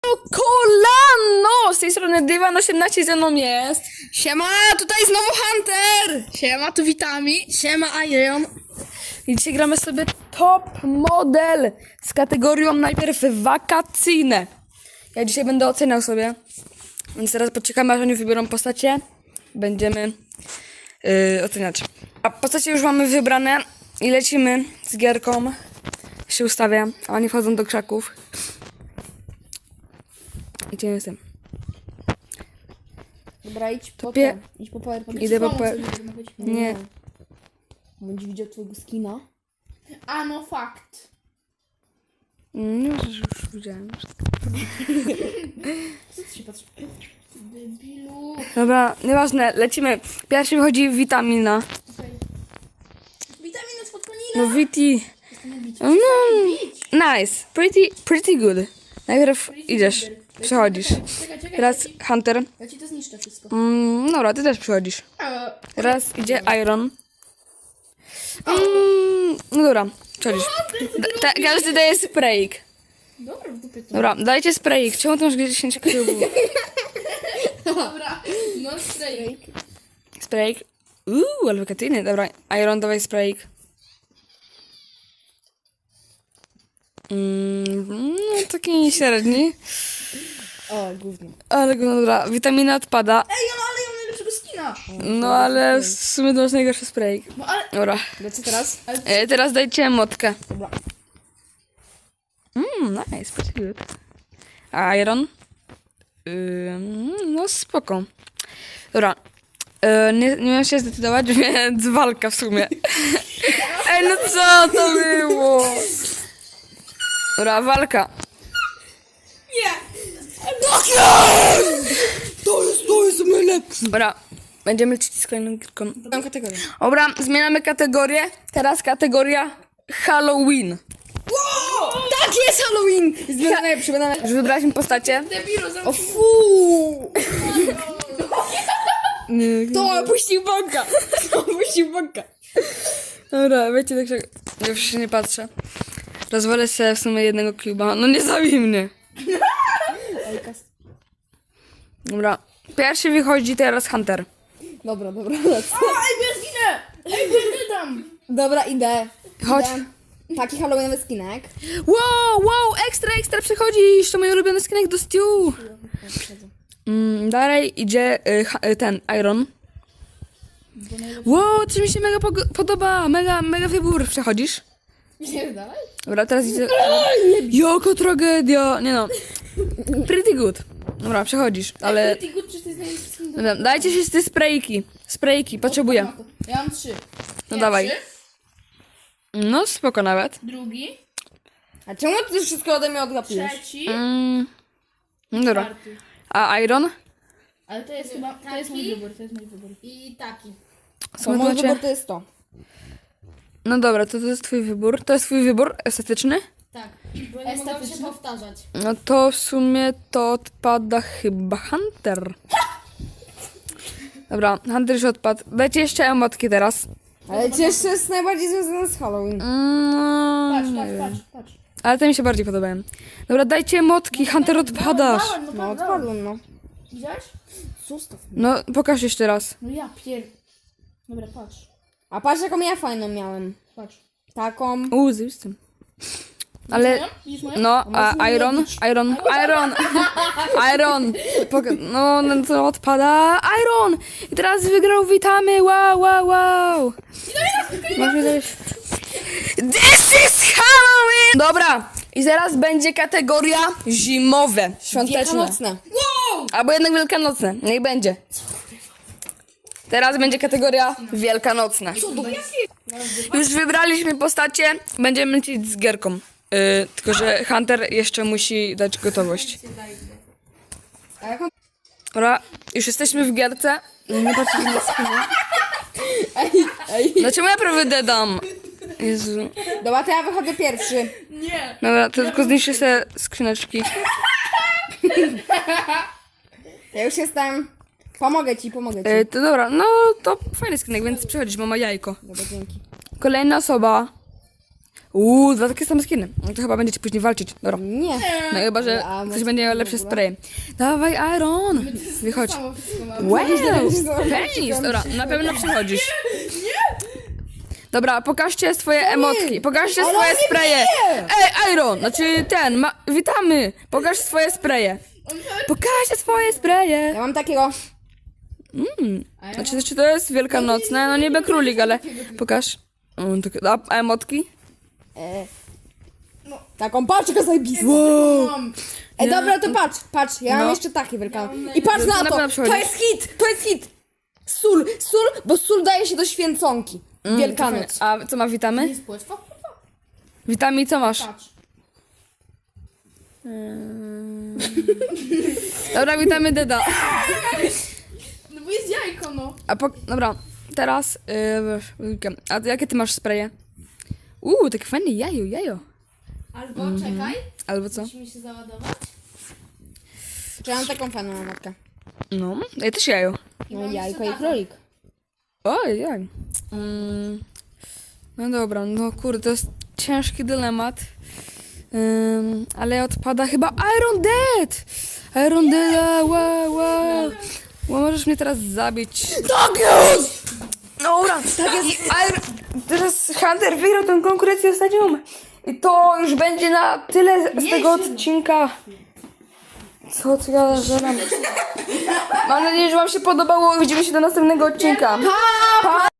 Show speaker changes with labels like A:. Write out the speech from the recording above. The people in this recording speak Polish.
A: Kolano! Z tej strony Dywan18 ze mną jest.
B: Siema, tutaj znowu Hunter! Siema, tu witami. Siema, Iron.
A: I dzisiaj gramy sobie top model z kategorią najpierw wakacyjne. Ja dzisiaj będę oceniał sobie. Więc teraz poczekamy, aż oni wybiorą postacie. Będziemy oceniać. A postacie już mamy wybrane i lecimy z gierką. Się ustawia, a oni wchodzą do krzaków. Gdzie jestem?
B: Dobra, idź po
A: Pie-
B: idź po PowerPoint.
A: Idę po Nie.
B: Będzie widział twojego skina.
C: A no fakt.
A: Nie wiem, że już widziałem.
C: Co ty się patrzy? Debilu.
A: Dobra, nieważne, lecimy. Pierwszy wychodzi witamina.
C: Witaminy z podpanina.
A: No Viti. No, nice. Pretty good. Najpierw idziesz, przechodzisz.
C: Czekaj,
A: Teraz Hunter.
C: ja ci to zniszczę wszystko.
A: Dobra, ty też przechodzisz. Teraz idzie Iron. No dobra, przechodzisz. Każdy daje sprayik.
C: Dobra, w dupie to.
A: Dobra, dajcie sprayik. Czemu ty masz 10 krzyżów?
C: Dobra, no strajk.
A: Sprayik. Ale wakacyjny. Dobra, Iron, dawaj sprayik. No taki średni.
B: O, gówno.
A: Ale no dobra, witamina odpada.
C: Ej, no ale ja mam najlepszego skina.
A: No ale w sumie to masz najgorszy sprayik.
C: No ale...
A: Dobra.
B: Co teraz?
A: Teraz dajcie motkę.
B: Dobra.
A: Nice, pretty good. A Iron? No spoko. Dobra. Nie miałem się zdecydować, więc walka w sumie. Ej, no co to było? Dobra, walka. To jest najlepsze. Dobra, będziemy lecieć z kolejną gierką.
B: Mam kategorię.
A: Dobra, zmieniamy kategorię. Teraz kategoria Halloween.
B: Tak jest Halloween! Jest najlepszy, będę
A: Już wybraliśmy postacie.
C: Debilu,
B: O fu!
A: Nie,
B: To opuścił bąka! To opuścił bąka!
A: Dobra, wiecie, tak się... Już się nie patrzę. Rozwalę sobie w sumie jednego cuba. No nie zabij mnie. Dobra. Pierwszy wychodzi teraz Hunter.
B: Dobra, dobra.
C: Ej, bo ja zginę! Ej, bo ja wydam!
B: Dobra, idę.
A: Chodź.
B: Idę. Taki halloweenowy skinek.
A: Wow, ekstra przechodzisz. To mój ulubiony skinek do stew. Dalej idzie ten, Iron. Wow, coś mi się mega podoba. Mega wybór. Przechodzisz.
C: Nie, dalej?
A: Dobra, teraz idzie... Jaka tragedia. Nie no. Pretty good. Dobra, przechodzisz, ale...
C: Pretty good, czy to jest najlepszy skin do...
A: Dobra, dajcie się z te sprayki. Sprayki, potrzebuję.
C: Ja mam 3.
A: No dawaj. No spoko nawet.
C: Drugi.
B: A czemu ty wszystko ode mnie odgapiłeś?
C: Trzeci.
A: No dobra.
C: Czwarty.
A: A Iron?
C: Ale to jest chyba... To jest mój wybór, to jest mój wybór. I taki.
A: Co
B: Mój
A: macie?
B: wybór to jest to.
A: No dobra, to jest twój wybór. To jest twój wybór estetyczny?
C: Tak. Bo nie mogę się powtarzać.
A: No to w sumie to odpada chyba Hunter. Dobra, Hunter już odpadł. Dajcie jeszcze emotki teraz.
B: Ale jeszcze jest najbardziej związane z Halloween.
C: Patrz.
A: Ale te mi się bardziej podobają. Dobra, dajcie emotki, Hunter odpadasz.
B: No, odpadłem, no.
C: Widziałeś?
B: Zostaw.
A: No, pokaż jeszcze raz.
C: No ja Dobra, patrz.
B: A patrz jaką ja fajną miałem.
C: Patrz.
B: Taką.
A: Zjebistym. Ale...
C: Widzisz moją?
A: No, a Iron. No to odpada Iron! I teraz wygrał, witamy, wow. Może coś... This is Halloween! Dobra, i zaraz będzie kategoria zimowe, świąteczne.
B: Wielkanocne.
A: Albo jednak wielkanocne, niech będzie. Teraz będzie kategoria wielkanocna. Już wybraliśmy postacie, będziemy lecieć z gierką. Tylko, że Hunter jeszcze musi dać gotowość.
B: A jaką...
A: Dobra, już jesteśmy w gierce. Nie patrzcie na skrzynę.
B: Ej.
A: Dlaczego ja prawie dedam? Jezu.
B: Dobra, to ja wychodzę pierwszy.
C: Nie.
A: Dobra, to tylko zniszczę sobie skrzyneczki.
B: Ja już jestem. Pomogę ci.
A: To dobra, no to fajny skinek, więc przechodzisz, mama jajko.
B: Dobra, dzięki.
A: Kolejna osoba. Dwa takie same skiny. No to chyba będziecie później walczyć. Dobra.
D: Nie.
A: No chyba, że
D: A,
A: ktoś
D: może
A: będzie miał
D: w
A: lepsze
D: ogóle?
A: spraye. Dawaj, Iron! Wychodź.
B: Samo wszystko mamy.
A: Wow! Penis! Dobra, na pewno przychodzisz. Dobra, pokażcie swoje emotki. Pokażcie swoje spraye. Ej, Iron! Znaczy witamy! Pokaż swoje spraye. Pokażcie swoje spraye.
D: Ja mam takiego.
A: Znaczy, czy to jest wielkanocne? No niby królik, ale pokaż. A emotki?
D: Taką paczkę zajebistą.
B: Mam.
D: Dobra, to patrz, ja mam
A: No.
D: jeszcze taki wielkanoc. I patrz
A: To
D: na
A: na
D: to,
A: pewno przychodzi.
D: to jest hit. Sól, bo sól daje się do święconki. Wielkanoc.
A: A co ma witamy?
B: Jest płetwa? Kurwa.
A: Witamy i co masz?
B: Patrz.
A: Dobra, witamy Deda.
B: No bo jest jajko, no.
A: Dobra, teraz. A jakie ty masz spraye? Takie fajne jajo.
C: Albo czekaj,
A: Albo co?
C: musimy się załadować.
D: Czy ja mam taką fajną matkę?
A: No, ja też jajo.
D: No jajko i królik.
A: Ojej. No dobra, no kurde, to jest ciężki dylemat. Ale odpada chyba Iron Dead! Iron Dead, wow. Możesz mnie teraz zabić. Tak jest! Dobra, tak jest. Teraz Hunter wygrał tę konkurencję ostatnią. I to już będzie na tyle z tego odcinka. Co ja żeram? Mam nadzieję, że wam się podobało. Widzimy się do następnego odcinka. Pa!